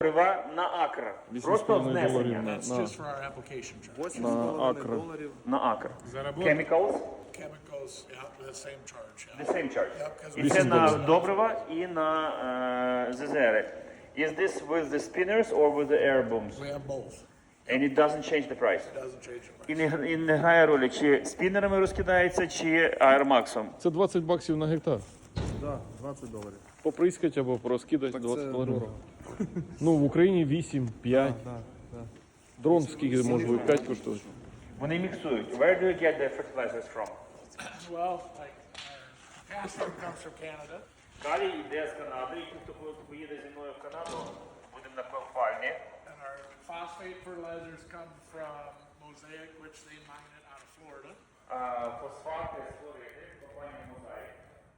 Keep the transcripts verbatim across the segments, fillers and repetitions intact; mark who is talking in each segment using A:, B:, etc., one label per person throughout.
A: Добрива на акр. Просто внесення.
B: That's just for our application charge.
C: На акр.
A: На акр.
B: Заработали.
A: Chemicals,
B: Chemicals, yeah, the same charge,
A: the
B: yeah.
A: same charge.
B: Yeah, 'cause
A: І
B: we-
A: це на добрива і на е, ЗЗР. Is this with the spinners or with the air booms?
B: We have both.
A: And it doesn't change the price.
B: Doesn't change the
A: І
B: price.
A: не, і не грає ролі, чи спінерами розкидається, чи аермаксом.
C: Це двадцять баксів на гектар.
D: Да, двадцять доларів.
C: Поприскать або порозкидати
D: Так
C: двадцять
D: це
C: доларів.
D: дорого.
C: Ну, в Україні вісім, п'ять.
D: Да, да.
C: Дрон скільки може бути, п'ять коштує.
A: Вони міксують. Where do you get the fertilizers from?
B: Well, like, uh, potassium comes from Canada.
A: Калій йде з Канади, і хто поїде зі мною в Канаду, будемо на пальмі.
B: And our phosphate fertilizers come from Mosaic, which they mine it out of Florida.
A: А фосфати з Флориди, компанія Mosaic.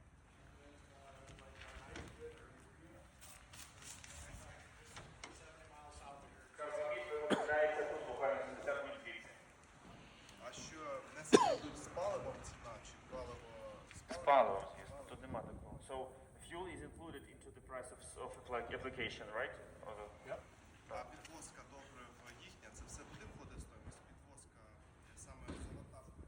A: Карбамід виробляється тут буквально сімдесят мільйонів.
E: А що внесення йдуть з паливом ціна чи паливо з паливом?
A: Паливо, звісно, тут нема такого. So, fuel is included into the price of, of like application, right? Or the-
B: Yep.
E: А підвозка добрив їхня, це все буде входити в стоїмость? Підвозка е, саме завантаження?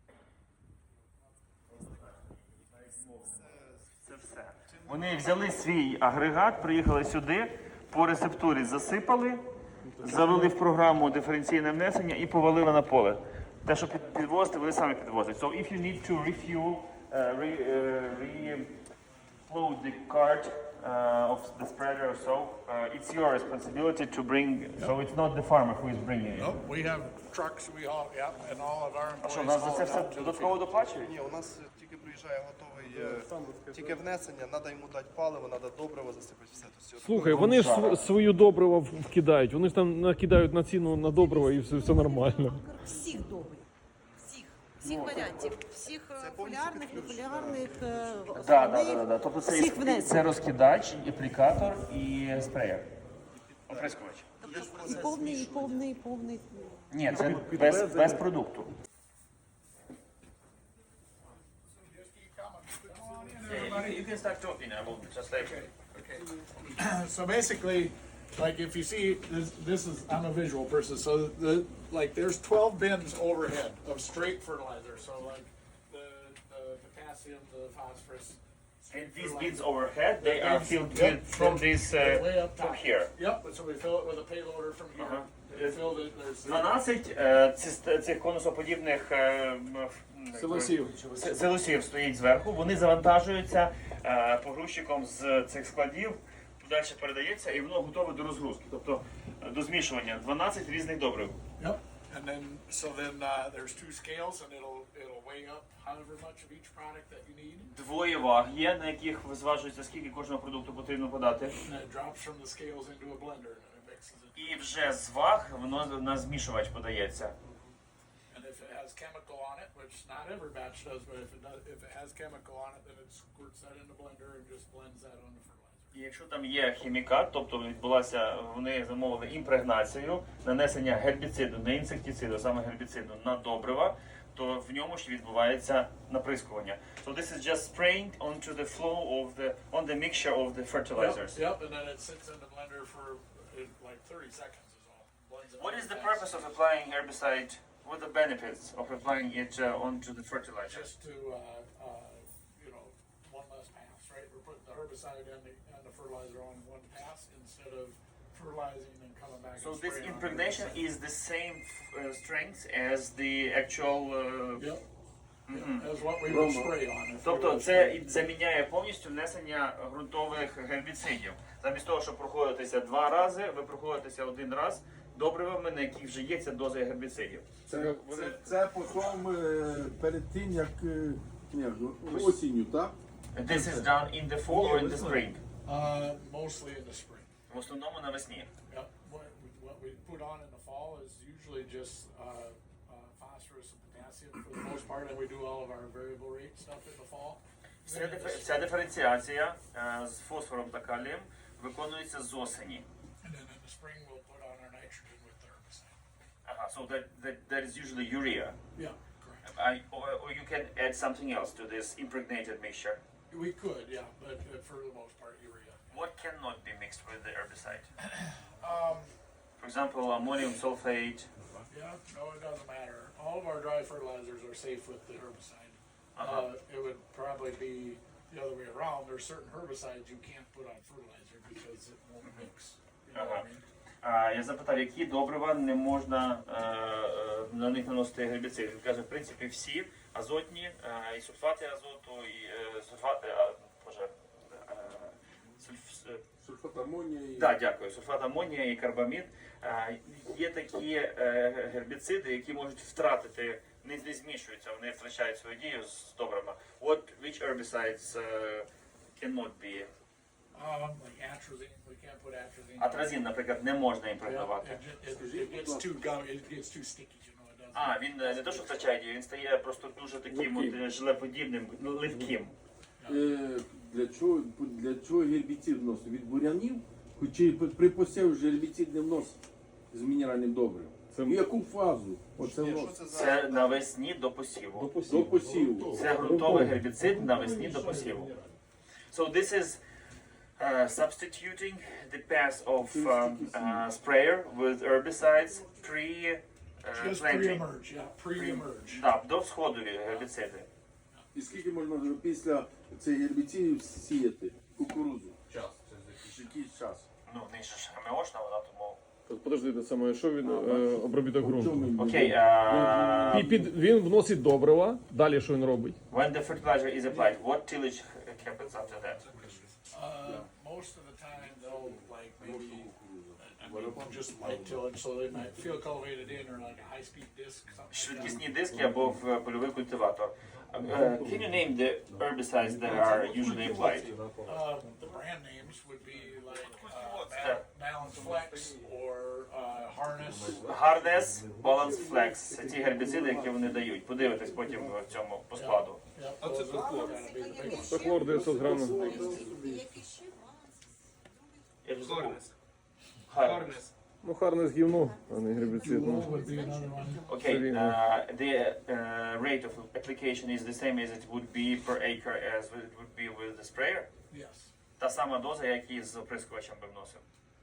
A: Це все. Вони взяли свій агрегат, приїхали сюди, по рецептурі засипали, завели в програму диференційне внесення і повалили на поле. Те, що під- підвозити, вони самі підвозять. So if you need to refuel, uh, re, uh, re-load the cart uh, of the spreader or so, uh, it's your responsibility to bring, so it's not the farmer who is bringing it.
B: Nope, we have trucks, we haul, yep, and all of our
A: А що,
B: employees
A: нас за
B: haul
A: це
B: it
A: все
B: out to the
A: додатково
B: field.
A: доплачують?
E: Ні, у нас е, тільки приїжджає готовий, е, тільки внесення, треба йому дати паливо, треба добриво засипати, все. Тобто,
C: Слухай, вони ж св- свою добриво в- вкидають. Вони ж там накидають на ціну на добриво і все, все нормально.
F: Всіх добрих. Всіх. Всіх варіантів. Всіх е, фоліарних, нефоліарних, е,
A: Так, так,
F: основних,
A: так, так. Тобто це,
F: всіх
A: і-
F: внесень.
A: це розкидач, аплікатор і спреєр. Оприскувач.
F: І повний, і повний, і повний.
A: Ні, це без, без продукту. You can start talking, I will translate.
B: So basically, like if you see, this, this is, I'm a visual person, so the, like there's twelve bins overhead of straight fertilizer, so like the, the potassium, the phosphorus.
A: And
B: straight
A: these
B: fertilizer.
A: bins overhead, they are filled
B: Yep.
A: with from this
B: Way
A: uh,
B: up
A: from
B: top.
A: here.
B: Yep, so we fill it with a payloader from here.
A: Uh-huh.
B: We filled it, there's.
A: дванадцять е, ці- цих конусоподібних е, м, м,
B: Силосів.
A: с- силосів стоїть зверху. Вони завантажуються е, погрузчиком з цих складів, далі передається і воно готове до розгрузки, тобто е, до змішування. дванадцять різних добрив.
B: Yep, and then, so then, uh, there's two scales and it'll, it'll weigh up however much of each product that you need.
A: Двоє ваг є, на яких зважується, скільки кожного продукту потрібно подати.
B: And it drops from the scales into a blender and it mixes it.
A: І вже з ваг воно на змішувач подається.
B: And if it has chemical on it, which not every batch does, but if it does, if it has chemical on it, then it squirts that in the blender and just blends that on the fertilizer.
A: І якщо там є хімікат, тобто відбулася, вони замовили імпрегнацію, нанесення гербіциду, не інсектициду, а саме гербіциду на добрива, то в ньому ж відбувається наприскування. So this is just spraying onto the flow of the, on the mixture of the fertilizers.
B: Yep, yep, and then it sits in the blender for uh, like thirty seconds is all. Blends it
A: What
B: all
A: is the
B: fast.
A: purpose of applying herbicide? What are the benefits of applying it uh, onto the fertilizer?
B: Just to, uh, uh, you know, one less pass, right? We're putting the herbicide and the, and the fertilizer on one pass instead of fertilizing and coming back
A: So
B: and
A: this
B: spraying on
A: impregnation
B: herbicide.
A: is the same uh, strength as the actual. Uh,
B: Yep. That's what we would spray on. if we
A: Тобто
B: were
A: це
B: spraying.
A: і заміняє повністю внесення ґрунтових гербіцидів. Замість того, щоб проходитися два рази, ви проходитеся один раз добривами, на яких вже є ця доза гербіцидів.
G: Це, це, це потім е, перед тим, як е, ні, осінню, так?
A: This is done in the fall or in the spring?
B: Uh, mostly in the spring.
A: В основному навесні.
B: Yep. What, what we put on in the fall is usually just uh, uh, phosphorus and potassium for the most part, and we do all of our variable rate stuff in the fall.
A: Вся,
B: Then in
A: дифе-
B: the
A: вся диференціація е, з фосфором та калієм виконується з осені.
B: And then in the spring, we'll put on our nitrogen with the herbicide.
A: Ага, so that, that, that is usually urea.
B: Yeah, correct.
A: I, or, or you can add something else to this impregnated mixture.
B: We could, yeah, but uh, for the most part, urea.
A: What cannot be mixed with the herbicide?
B: Um,
A: For example, ammonium sulfate.
B: yeah, no, it doesn't matter. All of our dry fertilizers are safe with the herbicide.
A: Uh-huh.
B: Uh, it would probably be the other way around. There's certain herbicides you can't put on fertilizer because it won't mix. You know what I mean?
A: А, я запитав, які добрива не можна е, е, на них наносити гербіцид. Він каже, в принципі, всі азотні, е, і сульфати азоту, і е, сульфати, а, боже, е, сульф, е,
G: Сульфат амонія і
A: да, дякую, сульфат амонія і карбамід. Е, є такі е, гербіциди, які можуть втратити, не, не змішуються, вони втрачають свою дію з добрива. What, which herbicides uh, cannot be?
B: Um, like atrazine, we can't put atrazine.
A: Атразин, наприклад, не можна
B: Yeah,
A: імпрегнувати.
B: it, ju- it, it gets too gummy, it gets too sticky, you know, it doesn't.
A: А, він е, не то, що втрачає дію, він стає просто дуже таким от, е, желеподібним, ну, липким.
G: е, для чого для чого гербіцид вносить? Від бурянів? Чи при посіві вже гербіцид не вносить з мінеральним добривом?
C: Це-
G: В яку фазу? Оце
E: Ні, що
G: вносить?
E: це за
A: Це навесні до посіву.
G: До посіву.
A: Це ґрунтовий гербіцид навесні до посіву. So this is uh, substituting the pass of um, uh, sprayer with herbicides pre uh,
B: Just
A: planting.
B: pre-emerge, yeah, pre-emerge.
A: Да, до сходові гербіциди.
G: І скільки можна після цих гербіцидів сіяти кукурудзу? Час. Якийсь час.
A: Ну, не ж ГМОшна вона, тому...
C: Подожди, те саме, що він е, обробіток ґрунту?
G: Чому?
A: Окей, uh,
C: І під він вносить добрива. Далі що він робить?
A: when the fertilizer is applied, what tillage happens after that?
B: Uh, most of the time they'll like maybe, I mean, just light till it, so they might feel cultivated in or like a high-speed disc, something like that.
A: Швидкісні диски або в польовий культиватор. Uh, can you name the herbicides that are usually applied?
B: Uh, the brand names would be like uh, Bal- Balance Flex or uh, Harness.
A: Hardness, Balance Flex. Це ті гербіциди, які вони дають. Подивитись потім в цьому по складу.
B: Yep, those are gotta be the biggest.
C: Стахлор дев'ятсот грамів.
F: Які ще
A: Я вже забув. Hardness.
C: Ну, харне з гівно, а не гербіцид. Ну.
B: Would be another one.
A: Okay, uh, the uh, rate of application is the same as it would be per acre as it would be with the sprayer.
B: Yes.
A: Та сама доза, як і з оприскувачем би вносив.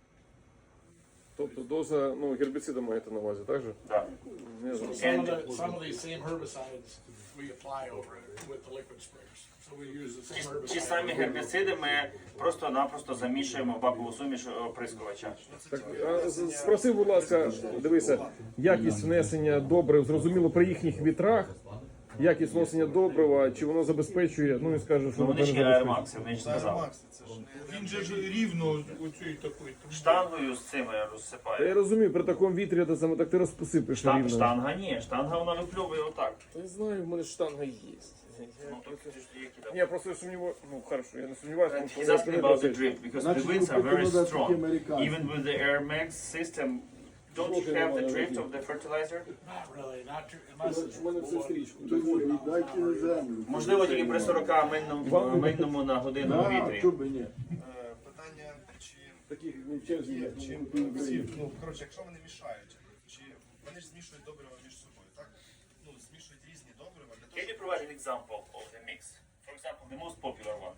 C: Тобто доза, ну, гербіцида маєте на увазі, так же?
A: Да.
C: Не знаю.
B: Some of the, some of these same herbicides we apply over it with the liquid sprayers. So we use the
A: Ті,
B: same
A: ті самі
B: herbicide.
A: гербіциди ми просто-напросто замішуємо в бакову суміш оприскувача.
C: Так, а, з- спроси, будь ласка, дивися, якість внесення добрив, зрозуміло, при їхніх вітрах, якість внесення добрива, чи воно забезпечує, ну, він скаже, що
A: Ну, вони
C: воно
A: ж
C: не
A: є
C: забезпечує.
A: Макс, вони ж сказали.
E: Макс, це ж не
H: Він же ж рівно оцю такий.
A: Штангою з цими
C: Та я
A: розсипає.
C: розумію, при такому вітрі це саме так ти розпосипиш
A: Штан,
C: рівно.
A: штанга ні, штанга вона випльовує отак.
C: Я знаю, в мене штанга є.
A: Ну, так це ж які там.
C: Ні, просто я сумніваюся, ну, хорошо, я не сумніваюся, тому що
A: He's
C: воно
A: asking
C: не
A: about the
C: працює.
A: drift because the
G: Значить,
A: winds are very
G: ви
A: strong.
G: американці.
A: Even with the Air Max system, don't you have the drift of the fertilizer?
B: Not really, not too, unless it's
C: У мене все стрічку.
G: Тому віддайте на землю.
A: Можливо, тільки при сорока мильному, мильному на годину
G: Да,
A: вітрі.
G: чого б і ні?
E: Е, питання, чи
C: Таких не черзі.
E: є, чи всі, ну, коротше, якщо вони мішають, чи вони ж змішують добрива між собою, так? Ну, змішують різні добрива для того,
A: Can you provide an example of the mix? For example, the most popular one.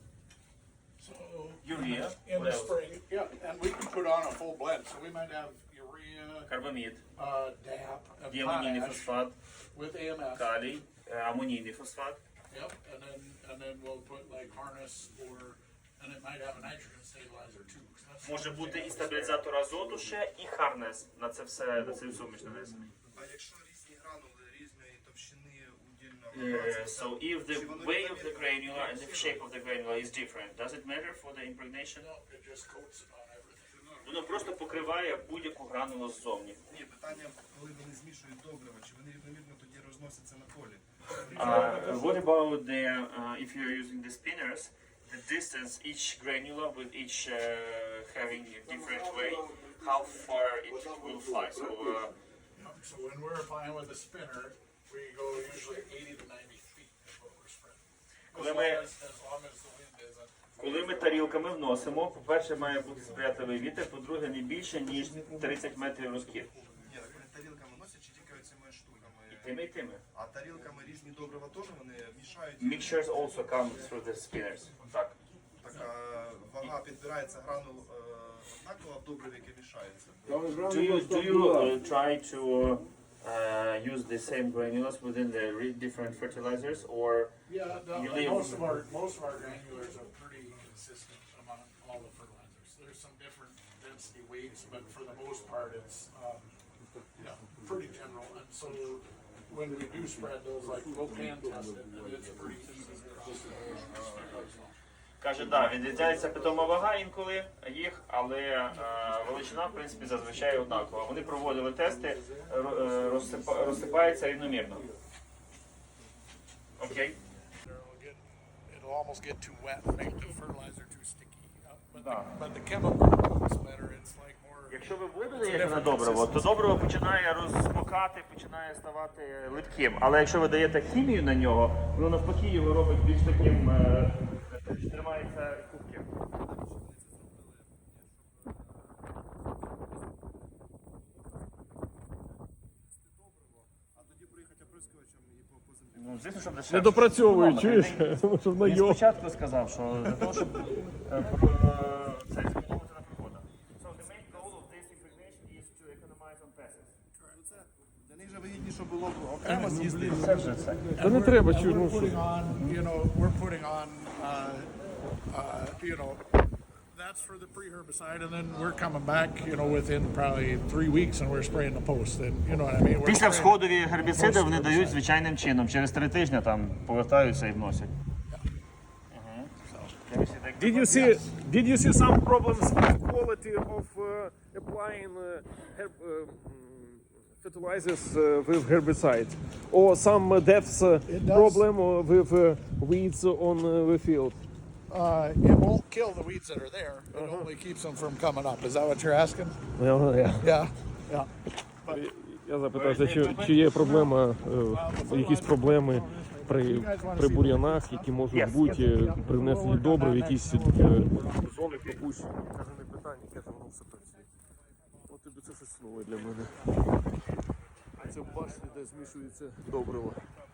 B: So
A: Urea,
B: in
A: what
B: the
A: else?
B: spring, yeah, and we can put on a full blend. So we might have urea,
A: Карбамід,
B: uh, D A P, and
A: діамонійний
B: potash
A: фосфат,
B: with A M F.
A: калій, е, амонійний фосфат.
B: Yep, and then and then we'll put like harness or, and it might have a nitrogen stabilizer too. 'Cause that's
A: Може
B: one
A: бути
B: thing
A: і
B: I
A: стабілізатор азоту ще, і харнес на це все, на цю суміш нанесений.
E: а якщо різні гранули різної товщини удільно
A: Uh, so if the way of the granula and the shape of the granula is different, does it matter for the impregnation?
B: No, it just coats it on everything.
A: Воно просто покриває будь-яку гранулу ззовні.
E: Ні, питання, коли вони змішують добрива, чи вони рівномірно тоді розносяться на полі?
A: Uh, what about the, uh, if you're using the spinners, the distance each granula with each uh, having a different way, how far it will fly? So, uh,
B: Yep, so when we're applying with a spinner, we go usually eighty to ninety feet is what we're spreading. As
A: Коли
B: long
A: ми-
B: as, as long as the wind isn't.
A: коли ми тарілками вносимо, по-перше, має бути сприятливий вітер, по-друге, не більше, ніж тридцять метрів розкид.
E: Ні, так вони тарілками носять чи тільки цими штуками?
A: Тими і тими.
E: А тарілками різні добрива теж вони мішають?
A: Mixtures also come through the spinners. Так.
E: Так, е, вага підбирається гранул е, однакова в добриві, яке мішається.
A: Do you, do you uh, try to uh, use the same granules within the re- different fertilizers, or
B: Yeah, the,
A: You leave-
B: most of our most of our granulars are pretty consistent among all the fertilizers. There's some different density weights, but for the most part, it's um, yeah, pretty general. And so when we do spread those, like we'll pan test it, and it's pretty easy across the board.
A: каже, да, відрізняється питома вага інколи їх, але е, величина, в принципі, зазвичай однакова. Вони проводили тести, ро- е, розсипа- розсипається рівномірно. Окей?
B: It'll get, it'll almost get too wet and make the fertilizer too sticky. Uh, but,
A: Да.
B: the, but the chemical works better. It's like more.
A: Якщо ви воду даєте на добриво, то добриво починає розсмокати, починає ставати липким. Але якщо ви даєте хімію на нього, воно навпаки його робить більш таким, е, тримається кубким. Ну, звісно, щоб дешевше.
C: Не допрацьовують,
A: Ну,
C: чуєш?
A: він-
C: Тому що на
A: Він
C: його.
A: спочатку сказав, що для того, щоб е, про- е, це зекономити на приходах. So the main goal of this impregnation is to economize on pests.
E: Для них же вигідніше було б окремо з'їздити.
A: Це вже це.
C: Та не треба,
B: And
C: чуєш,
B: we're
C: ну що.
B: putting on, you know, we're putting on, uh, uh, you know, that's for the pre-herbicide, and then we're coming back, you know, within probably three weeks, and we're spraying the post. And you know what I mean? We're
A: Після
B: spraying-
A: всходові гербіциди вони дають звичайним чином. Через три тижні там повертаються і вносять.
C: Did you see Did you see some problems with quality of uh, applying uh, herb, uh, mm, fertilizers uh, with herbicides, or some uh, depth uh,
B: It does.
C: problem uh, with uh, weeds on uh, the field?
B: Uh, it won't kill the weeds that are there. It only keeps them from coming up. Is that what you're asking?
C: Yeah, yeah.
B: Yeah, yeah.
C: Я запитався, чи, чи є проблема, е, якісь проблеми при, при бур'янах, які можуть бути е, при внесенні добрив, якісь е, зони пропущені. Каже, не питання, каже, воно все працює. От тобі це щось нове для мене. Це в башні, де змішується добриво.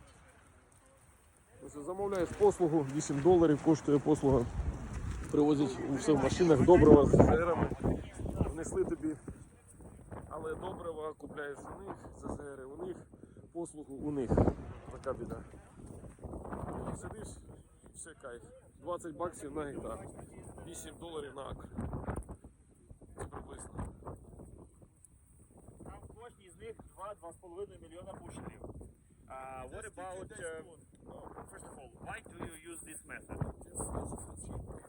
C: Ось замовляєш послугу, вісім доларів коштує послуга. Привозять все в машинах, добрива з зерами. Внесли тобі. Але добрива купляєш у них, ЗЗРи у них, послугу у них. Така біда. І сидиш, все кайф. двадцять баксів на гектар. вісім доларів на акр. Це приблизно.
A: Там в кожній з них два-два з половиною мільйона бушелів. Uh, what about, uh, oh, first of all, why do you use this method?